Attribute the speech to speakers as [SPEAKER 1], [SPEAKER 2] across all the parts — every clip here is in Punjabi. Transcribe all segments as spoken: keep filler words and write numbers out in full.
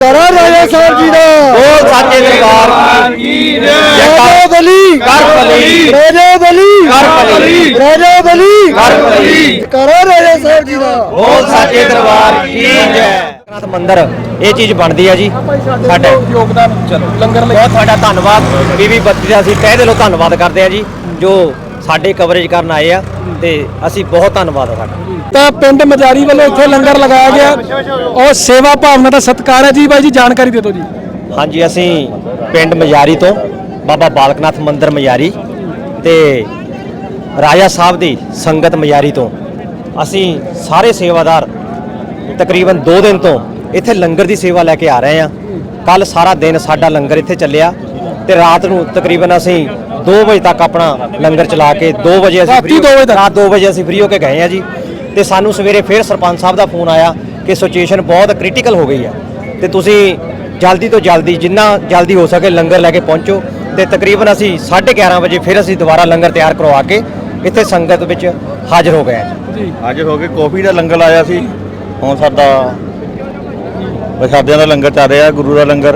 [SPEAKER 1] करा राजा साहब जी दा
[SPEAKER 2] बोल साचे दरबार की जय।
[SPEAKER 1] राजा बली
[SPEAKER 2] कर बली
[SPEAKER 1] राजा बली
[SPEAKER 2] कर बली
[SPEAKER 1] राजा बली
[SPEAKER 2] कर बली
[SPEAKER 1] करा राजा साहब जी दा
[SPEAKER 2] बोल साचे दरबार की जय। ਨਾਥ ਮੰਦਿਰ ਇਹ ਚੀਜ਼ ਬਣਦੀ ਹੈ ਜੀ ਸਾਡਾ
[SPEAKER 3] ਯੋਗਦਾਨ ਚਲੋ ਲੰਗਰ ਲਈ
[SPEAKER 2] ਬਹੁਤ ਤੁਹਾਡਾ ਧੰਨਵਾਦ ਬੀਬੀ ਬੱਤੀ ਦਾ ਅਸੀਂ ਤਹਿ ਦਿਲੋਂ ਧੰਨਵਾਦ ਕਰਦੇ ਹਾਂ ਜੀ ਜੋ ਸਾਡੇ ਕਵਰੇਜ ਕਰਨ ਆਏ ਆ ਤੇ ਅਸੀਂ ਬਹੁਤ ਧੰਨਵਾਦ ਆ ਸਾਡਾ।
[SPEAKER 3] ਤਾਂ ਪਿੰਡ ਮਜਾਰੀ ਵੱਲੋਂ ਇੱਥੇ ਲੰਗਰ ਲਗਾਇਆ ਗਿਆ ਔਰ ਸੇਵਾ ਭਾਵਨਾ ਦਾ ਸਤਿਕਾਰ ਹੈ ਜੀ। ਬਾਈ ਜੀ ਜਾਣਕਾਰੀ ਦੇ ਦਿਓ ਜੀ।
[SPEAKER 2] ਹਾਂਜੀ ਅਸੀਂ ਪਿੰਡ ਮਜਾਰੀ ਤੋਂ ਬਾਬਾ ਬਾਲਕਨਾਥ ਮੰਦਿਰ ਮਜਾਰੀ ਤੇ ਰਾਜਾ ਸਾਹਿਬ ਦੀ ਸੰਗਤ ਮਜਾਰੀ ਤੋਂ ਅਸੀਂ ਸਾਰੇ ਸੇਵਾਦਾਰ ਤਕਰੀਬਨ ਦੋ ਦਿਨ ਤੋਂ ਇੱਥੇ ਲੰਗਰ ਦੀ ਸੇਵਾ ਲੈ ਕੇ ਆ ਰਹੇ ਹਾਂ। ਕੱਲ ਸਾਰਾ ਦਿਨ ਸਾਡਾ ਲੰਗਰ ਇੱਥੇ ਚੱਲਿਆ ਤੇ ਰਾਤ ਨੂੰ ਤਕਰੀਬਨ ਅਸੀਂ ਦੋ ਵਜੇ ਤੱਕ ਆਪਣਾ ਲੰਗਰ ਚਲਾ ਕੇ ਦੋ ਵਜੇ ਅਸੀਂ
[SPEAKER 3] ਰਾਤੀ ਦੋ ਵਜੇ ਤੱਕ?
[SPEAKER 2] ਰਾਤ ਦੋ ਵਜੇ ਅਸੀਂ ਫ੍ਰੀ ਹੋ ਕੇ ਗਏ ਹਾਂ ਜੀ। ਤੇ ਸਾਨੂੰ ਸਵੇਰੇ ਫਿਰ ਸਰਪੰਚ ਸਾਹਿਬ ਦਾ ਫੋਨ ਆਇਆ ਕਿ ਸਿਚੁਏਸ਼ਨ ਬਹੁਤ ਕ੍ਰਿਟੀਕਲ ਹੋ ਗਈ ਹੈ ਤੇ ਤੁਸੀਂ ਜਲਦੀ ਤੋਂ ਜਲਦੀ ਜਿੰਨਾ ਜਲਦੀ ਹੋ ਸਕੇ ਲੰਗਰ ਲੈ ਕੇ ਪਹੁੰਚੋ। ਤੇ ਤਕਰੀਬਨ ਅਸੀਂ ਸਾਢੇ ਗਿਆਰਾਂ ਵਜੇ ਫਿਰ ਅਸੀਂ ਦੁਬਾਰਾ ਲੰਗਰ ਤਿਆਰ ਕਰਵਾ ਕੇ ਇੱਥੇ ਸੰਗਤ ਵਿੱਚ ਹਾਜ਼ਰ ਹੋ ਗਏ ਹਾਂ
[SPEAKER 3] ਜੀ
[SPEAKER 4] ਹਾਜ਼ਰ ਹੋ ਕੇ ਕੌਫੀ ਦਾ ਲੰਗਰ ਲਾਇਆ ਸੀ। ਹੁਣ ਸਾਡਾ ਪ੍ਰਸ਼ਾਦਿਆਂ ਦਾ ਲੰਗਰ ਚੱਲ ਰਿਹਾ, ਗੁਰੂ ਦਾ ਲੰਗਰ।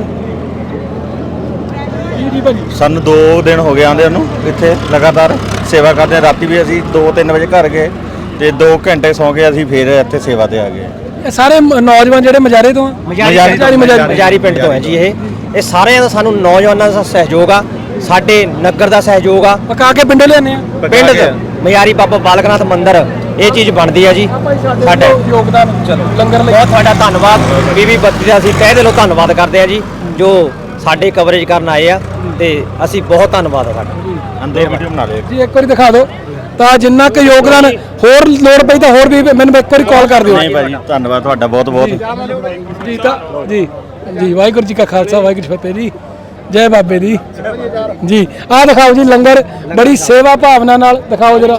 [SPEAKER 3] ਜੀ ਜੀ ਭਾਜੀ
[SPEAKER 4] ਸਾਨੂੰ ਦੋ ਦਿਨ ਹੋ ਗਏ ਆਂਦੇ ਨੂੰ ਇੱਥੇ ਲਗਾਤਾਰ ਸੇਵਾ ਕਰਦੇ ਹਾਂ। ਰਾਤੀ ਵੀ ਅਸੀਂ ਦੋ ਤਿੰਨ ਵਜੇ ਘਰ ਗਏ ਤੇ ਦੋ ਘੰਟੇ ਸੌਂ ਕੇ ਅਸੀਂ ਫਿਰ ਇੱਥੇ ਸੇਵਾ ਤੇ ਆ ਗਏ।
[SPEAKER 3] ਇਹ ਸਾਰੇ ਮ- ਨੌਜਵਾਨ ਜਿਹੜੇ ਮਜਾਰੇ ਤੋਂ ਆ
[SPEAKER 2] ਮਜਾਰੀ
[SPEAKER 3] ਮਜਾਰੀ- ਮਜਾਰੀ-
[SPEAKER 2] ਮਜਾਰੀ ਪਿੰਡ ਤੋਂ ਹੈ ਜੀ ਇਹ ਇਹ ਸਾਰਿਆਂ ਦਾ ਸਾਨੂੰ ਨੌਜਵਾਨਾਂ ਦਾ ਸਹਿਯੋਗ ਆ, ਸਾਡੇ ਨਗਰ ਦਾ ਸਹਿਯੋਗ ਆ।
[SPEAKER 3] ਪਕਾ ਕੇ ਪਿੰਡੋਂ ਲਿਆਉਂਦੇ ਆ।
[SPEAKER 2] ਪਿੰਡ ਦੇ ਮਜਾਰੀ ਬਾਬਾ ਬਾਲਕਨਾਥ ਮੰਦਿਰ ਇਹ ਚੀਜ਼ ਬਣਦੀ ਹੈ ਜੀ ਸਾਡੇ।
[SPEAKER 3] ਯੋਗਦਾਨ ਚਲੋ ਲੰਗਰ ਲਈ
[SPEAKER 2] ਬਹੁਤ ਤੁਹਾਡਾ ਧੰਨਵਾਦ ਬੀਬੀ ਬੱਤੀ ਦਾ ਅਸੀਂ ਤਹਿ ਦਿਲੋਂ ਧੰਨਵਾਦ ਕਰਦੇ ਹਾਂ ਜੀ ਜੋ ਸਾਡੇ ਕਵਰੇਜ ਕਰਨ ਆਏ ਆ ਤੇ ਅਸੀਂ ਬਹੁਤ ਧੰਨਵਾਦ ਆ ਸਾਡਾ।
[SPEAKER 4] ਅੰਦਰ ਵੀਡੀਓ ਬਣਾ ਲਿਓ।
[SPEAKER 3] ਜੀ ਇੱਕ ਵਾਰੀ ਦਿਖਾ ਦਿਓ ਤਾਂ ਜਿੰਨਾ ਕੁ ਯੋਗਦਾਨ ਹੋਰ ਲੋੜ ਪਈ ਤਾਂ ਹੋਰ ਵੀ ਮੈਨੂੰ ਇੱਕ ਵਾਰੀ ਕਾਲ ਕਰ ਦਿਓ।
[SPEAKER 4] ਨਹੀਂ ਭਾਈ ਧੰਨਵਾਦ ਤੁਹਾਡਾ ਬਹੁਤ ਬਹੁਤ।
[SPEAKER 3] ਜੀ ਤਾਂ ਜੀ ਜੀ ਵਾਹਿਗੁਰੂ ਜੀ ਕਾ ਖਾਲਸਾ ਵਾਹਿਗੁਰੂ ਜੀ ਕੀ ਫਤਿਹ ਜੀ। ਜੈ ਬਾਬੇ ਦੀ ਜੀ। ਆਹ ਦਿਖਾਓ ਜੀ ਲੰਗਰ ਬੜੀ ਸੇਵਾ ਭਾਵਨਾ ਨਾਲ ਦਿਖਾਓ ਜਰਾ।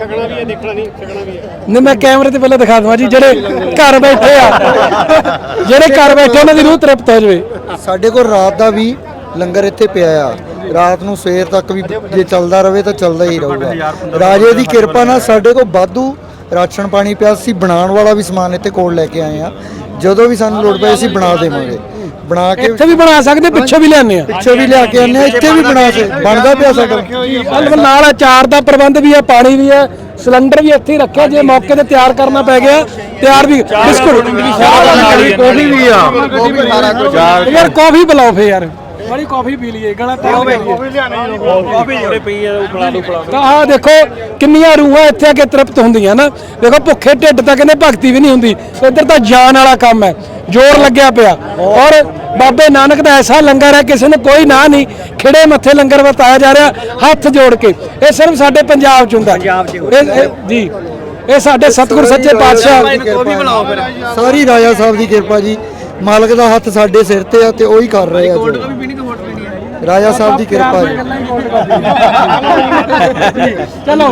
[SPEAKER 3] ਨਹੀਂ ਮੈਂ ਕੈਮਰੇ ਤੇ ਪਹਿਲਾਂ ਦਿਖਾ ਦਵਾਂ ਜੀ ਜਿਹੜੇ ਘਰ ਬੈਠੇ ਆ ਜਿਹੜੇ ਘਰ ਬੈਠੇ ਉਹਨਾਂ ਦੀ ਰੂਹ ਤ੍ਰਿਪਤ ਹੋ ਜਾਵੇ।
[SPEAKER 1] ਸਾਡੇ ਕੋਲ ਰਾਤ ਦਾ ਵੀ ਲੰਗਰ ਇੱਥੇ ਪਿਆ ਆ। ਰਾਤ ਨੂੰ ਸਵੇਰ ਤੱਕ ਵੀ ਜੇ ਚੱਲਦਾ ਰਵੇ ਤਾਂ ਚੱਲਦਾ ਹੀ ਰਹੂਗਾ। ਰਾਜੇ ਦੀ ਕਿਰਪਾ ਨਾਲ ਸਾਡੇ ਕੋਲ ਵਾਧੂ ਰਾਸ਼ਨ ਪਾਣੀ ਪਿਆ ਸੀ। ਬਣਾਉਣ ਵਾਲਾ ਵੀ ਸਮਾਨ ਇੱਥੇ ਕੋਲ ਲੈ ਕੇ ਆਏ ਆ। ਜਦੋਂ ਵੀ ਸਾਨੂੰ ਲੋੜ ਪਏ ਅਸੀਂ ਬਣਾ ਦੇਵਾਂਗੇ। ਬਣਾ ਕੇ
[SPEAKER 3] ਇੱਥੇ ਵੀ ਬਣਾ ਸਕਦੇ, ਪਿੱਛੋਂ ਵੀ ਲਿਆਉਂਦੇ ਆ।
[SPEAKER 1] ਪਿੱਛੇ ਵੀ ਲਿਆ ਕੇ ਆਨੇ ਆ, ਇੱਥੇ ਵੀ ਬਣਾ ਕੇ ਬਣਦਾ ਪਿਆ ਸਾਡਾ।
[SPEAKER 3] ਨਾਲ ਨਾਲ ਅਚਾਰ ਦਾ ਪ੍ਰਬੰਧ ਵੀ ਹੈ, ਪਾਣੀ ਵੀ ਹੈ, ਸਿਲੰਡਰ ਵੀ ਇੱਥੇ ਹੀ ਰੱਖਿਆ। ਜੇ ਮੌਕੇ ਤੇ ਤਿਆਰ ਕਰਨਾ ਪੈ ਗਿਆ ਤਿਆਰ ਵੀ। ਬਿਸਕੁਟ
[SPEAKER 4] ਕੌਫੀ ਵੀ ਆ।
[SPEAKER 3] ਯਾਰ ਕਾਫੀ ਪਿਲਾਓ ਫੇ ਯਾਰ ਬੜੀ ਕਾਫੀ ਪੀ ਲਈਏ ਗਲਾ ਤੇ
[SPEAKER 4] ਕੌਫੀ ਜਿਹੜੇ ਪਈ ਆ ਉਹ ਖਿਲਾ ਦੋ ਖਿਲਾ
[SPEAKER 3] ਤਾਂ ਆਹ ਦੇਖੋ ਕਿੰਨੀਆਂ ਰੂਹਾਂ ਇੱਥੇ ਆ ਕੇ ਤ੍ਰਿਪਤ ਹੁੰਦੀਆਂ ਨਾ। ਦੇਖੋ ਭੁੱਖੇ ਢਿੱਡ ਤਾਂ ਕਹਿੰਦੇ ਭਗਤੀ ਵੀ ਨਹੀਂ ਹੁੰਦੀ। ਇੱਧਰ ਤਾਂ ਜਾਨ ਵਾਲਾ ਕੰਮ ਹੈ, ਜ਼ੋਰ ਲੱਗਿਆ ਪਿਆ। ਔਰ ਬਾਬੇ ਨਾਨਕ ਦਾ ਐਸਾ ਲੰਗਰ ਹੈ ਕਿਸੇ ਨੂੰ ਕੋਈ ਨਾ ਨਹੀਂ। ਖਿੜੇ ਮੱਥੇ ਲੰਗਰ ਵਰਤਾਇਆ ਜਾ ਰਿਹਾ ਹੱਥ ਜੋੜ ਕੇ। ਇਹ ਸਿਰਫ ਸਾਡੇ ਪੰਜਾਬ 'ਚ ਹੁੰਦਾ ਇਹ- ਇਹ- ਜੀ। ਇਹ ਸਾਡੇ ਸਤਿਗੁਰ ਸੱਚੇ ਪਾਤਸ਼ਾਹ
[SPEAKER 1] ਸਾਰੀ ਰਾਜਾ ਸਾਹਿਬ ਦੀ ਕਿਰਪਾ ਜੀ। ਮਾਲਕ ਦਾ ਹੱਥ ਸਾਡੇ ਸਿਰ ਤੇ ਆ ਤੇ ਉਹੀ ਕਰ ਰਹੇ ਆ ਜੋ। ਰਾਜਾ ਸਾਹਿਬ ਦੀ ਕਿਰਪਾ ਜੀ।
[SPEAKER 3] ਚਲੋ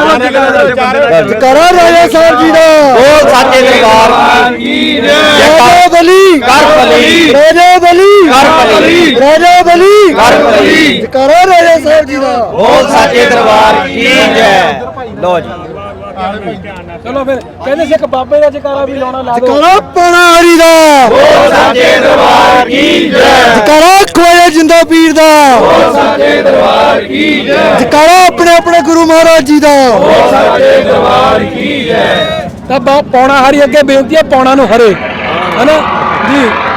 [SPEAKER 1] ਕਰਾ ਰਾਜਾ ਸਾਹਿਬ ਜੀ ਦਾ
[SPEAKER 2] ਬੋਲ ਸਾਚੇ ਦਰਬਾਰ ਕੀ ਜੈ।
[SPEAKER 1] ਰਾਜਾ ਬਲੀ
[SPEAKER 2] ਕਰ ਬਲੀ
[SPEAKER 1] ਰਾਜਾ ਬਲੀ
[SPEAKER 2] ਕਰ ਬਲੀ
[SPEAKER 1] ਰਾਜਾ ਬਲੀ
[SPEAKER 2] ਕਰ ਬਲੀ
[SPEAKER 1] ਕਰਾ ਰਾਜਾ ਸਾਹਿਬ ਜੀ ਦਾ
[SPEAKER 2] ਬੋਲ ਸਾਚੇ ਦਰਬਾਰ ਕੀ ਜੈ। ਲੋ ਜੀ
[SPEAKER 3] ਚਲੋ ਫਿਰ ਕਹਿੰਦੇ ਸੀ ਇੱਕ ਬਾਬੇ ਦਾ ਜਕਾਰਾ ਵੀ ਲਾਉਣਾ ਲਾ ਦਿਓ।
[SPEAKER 1] ਕਰਾ ਪਨਾਰੀ ਦਾ
[SPEAKER 2] ਬੋਲ ਸਾਚੇ ਦਰਬਾਰ ਕੀ ਜੈ।
[SPEAKER 1] ਕਰਾ ਖੋਏ ਜਿੰਦਾ ਪੀਰ ਦਾ
[SPEAKER 2] ਬੋਲ ਸਾਚੇ ਦਰਬਾਰ ਕੀ ਜੈ।
[SPEAKER 1] ਕਰਾ ਆਪਣੇ ਆਪਣੇ ਗੁਰੂ ਮਹਾਰਾਜ ਜੀ ਦਾ
[SPEAKER 2] ਬੋਲ ਸਾਚੇ ਦਰਬਾਰ ਕੀ ਜੈ।
[SPEAKER 3] ਤਾਂ ਬਾ- ਪੌਣਾ ਹਰੀ ਅੱਗੇ ਬੇਨਤੀ ਹੈ ਪੌਣਾ ਨੂੰ ਹਰੇ ਹਨਾ ਜੀ।